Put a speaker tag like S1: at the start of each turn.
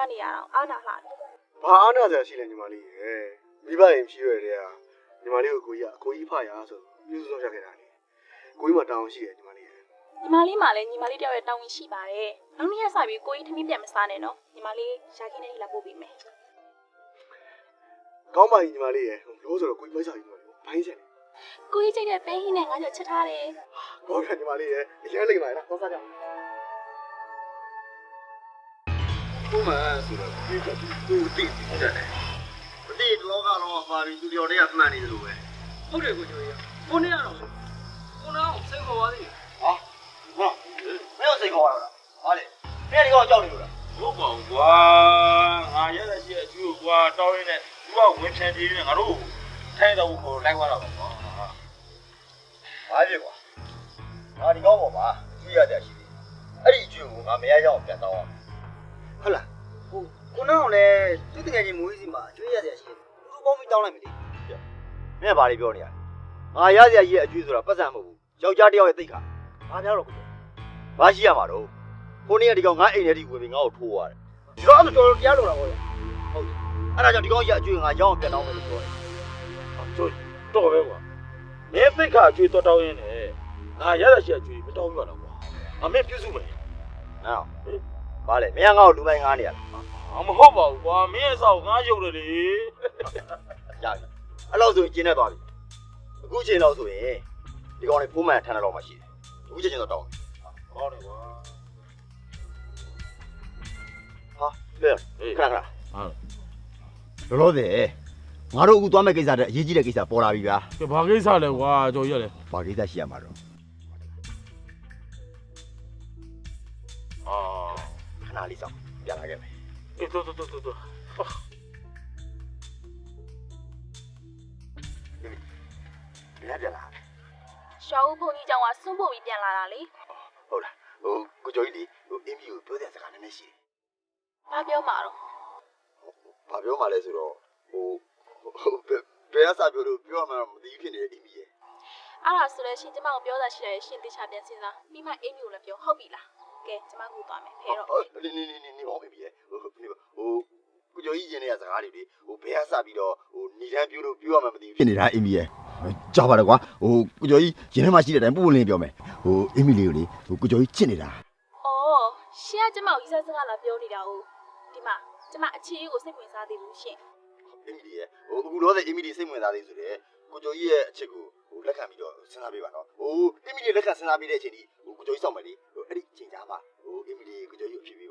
S1: နေရအောင်အားနာလှတယ်
S2: ဘာအားနာစရာရှိလဲညီမလေးရဲ့မိဘရင်ဖြစ်ရတဲ့ဟာညီမလေးကိုကိုကြီးဖရဆိုပြုစုဆောင်ရခဲ့တာလေကိုကြီးမှတောင်းရှိတယ်ညီမလေးရဲ့
S1: ညီမလေးမှလည်းညီမလေးတယောက်ရဲ့တောင်းဝင်ရှိပါတယ်နောက်နေ့ရက်စပြီးကိုကြီးထမင်းပြန်မစားနဲ့နော်ညီမလေးရှာခင်းနေလာပို့ပေးမယ်
S2: ကောင်းပါပြီညီမလေးရဲ့လို့ဆိုတော့ကိုကြီးမိုက်စားပြီညီမလေးဘိုင်းချက်လေ
S1: ကိုကြီးကြိတ်တဲ့ပဲဟင်းနဲ့ငါကြောက်ချက်ထားတယ်
S2: ကောင်းကညီမလေးရဲ့အရင်လိမ့်ပါလားသွားစားကြကိုမဆိုတော့ဒီကသူတိတယ်မတိတော့ကတော့ပါပြီသူတော်တွေကမှန်နေတယ်လို့ပဲ
S3: ဟုတ်တယ်ကိုကျော်ကြီးကိုနေရတော့ကိုနာကိုစိတ်ခေါ်ပါသေးတယ်
S4: ဟာမင်းစိတ်ခေါ်ရတာဟာလေမင်းဒီကောင်ကြောက်နေလို့လား
S5: ဟုတ်ပါဘူးကွာငါရတဲ့ရှိအကျိုးကွာတောင်းရင်းနဲ့သူကဝင်ဖြန်ပြေးနေငါတို့ထိုင်တော့ကိုလိုက်သွားတော့ကွာ
S4: ဘာဖြစ်ကွာငါဒီကောင်ပေါ်မှာကျွေးရတဲ့ရှိတယ်အဲ့ဒီကျွေးကိုငါမရရအောင်ပြန်တောင်းအောင်ဟုတ်လားကိုနောင်လည်းသူ့တကယ်ချင်းမွေးစီမှာကျွေးရတဲ့ရှိတယ်သူပေါင်းပြီးတောင်းလိုက်မယ်လေမင်းကဘာတွေပြောနေရလဲငါရစရာကြီးရဲ့အကျွေးဆိုတာပတ်စံမဟုတ်ဘူးယောက်ျားတစ်ယောက်ရဲ့သိက္ခာဘာများတော့ကိုဘာရှိရမှာတော့ကိုနေ့ကဒီကောင်ငါအိမ်ထဲထိဝင်ပြီးငါ့ကိုထိုးရတယ်ဒီတော့အဲ့လိုတော်တရားလို့တာပေါ့ဟုတ်အဲ့ဒါကြောင့်ဒီကောင်ကြီးအကျွေးငါရောင်းအောင်ပြန်တောင်းမယ်လို့ပြောတယ်
S5: တို့တော့ပဲကွာမင်းသိခါအကျွေးတော့တောင်းရင်းနဲ့ငါရတဲ့ရှိအကျွေးမတောင်းရတော့ကွာအမေပြုစုမယ်
S4: နော်ဘာလဲမင်းကငါ့ကိုလူမိုင်းငားနေရလား
S5: မဟုတ်ပါဘူးကွာမင်းအဆောက်ငါရုပ်တယ်လေ
S4: ရပြီအဲ့လောက်ဆိုရင်ကျင်းနေသွားပြီအခုချိန်တော့ဆိုရင်ဒီကောင်လေးဖိုးမှန်ထမ်းတော့မှရှိတယ်အခုချိန်တော့တောင်း
S5: ဟောတယ်ကွာ
S4: ဟာလေခဏခဏ
S5: ဟုတ်
S4: လောလောဆယ်ငါတို့အခုသွားမဲ့ကိစ္စတဲ့အရေးကြီးတဲ့ကိစ္စပေါ်လာပြီဗျာ
S5: ကဲဘာကိစ္စလဲကွာကြော်ရလဲ
S4: ဘာကိစ္စရှိရမှာတော့
S5: အာ
S4: ခဏလေးစောင့်ပြန်လာခဲ့မယ်
S5: အေးတို့
S4: ဒီနေ့ပြန်လာ
S1: ရှောက်ဦးဘုန်းကြီးကြောင့်ကစွန့်ဖို့ပြီးပြန်လာတာလေ
S4: ဟုတ်လားကိုကျော်ကြီးလေအင်းကြီးကိုပြောတဲ့စကားနည်းနည်းရှိတယ်
S1: ဘာပြောမှာတော့
S4: ဘာပြောမှလဲဆိုတော့ဘယ်အစားပြောလို့ပြောမှမသိဖြစ်နေတဲ့အင်းကြီးရဲ့
S1: အဲ့ဒါဆိုလည်းရှင်ကျမကိုပြောတာရှိတယ်ရှင်တေချာပြန်စဉ်းစားပြီးမှအိမ်မျိုးလည်းပြောဟုတ်ပြီလားကဲကျမကူသွားမယ်ဖဲတော့
S4: နေပါဦးအင်းကြီးရဲ့ကိုကျော်ကြီးရင်တဲ့စကားတွေလေဘယ်အစားပြီးတော့နေတန်းပြောလို့ပြောမှမသိဖြစ်နေတာအင်းကြီးရဲ့ကြောက်ပါတော့ကွာကိုကျော်ကြီးရင်ထဲမှာရှိတဲ့အတိုင်းပို့လင်းပြောမယ်အင်းမီလေးကိုလေကိုကျော်ကြီးချစ်နေတာ
S1: အော်ရှင်ကကျမကိုရီးစားစကားလာပြောနေတာ哦ဒီမှာကျမအခြေအေးကိုစိတ်ဝင်စားသေးဘူးရှင်
S4: အင်းမီရဲ့အခုတော့အင်းမီလေးစိတ်ဝင်စားသေးဆိုတဲ့ကိုကျော်ကြီးရဲ့အချစ်ကိုလက်ခံပြီးတော့စဉ်းစားပေးပါတော့အင်းမီလေးလက်ခံစဉ်းစားပေးတဲ့အချိန်ဒီကိုကျော်ကြီးစောင့်မယ်လေအဲ့ဒီအချိန်ကြားမှာအင်းမီလေးကိုကျော်ကြီးကိုဖြစ်ပြီး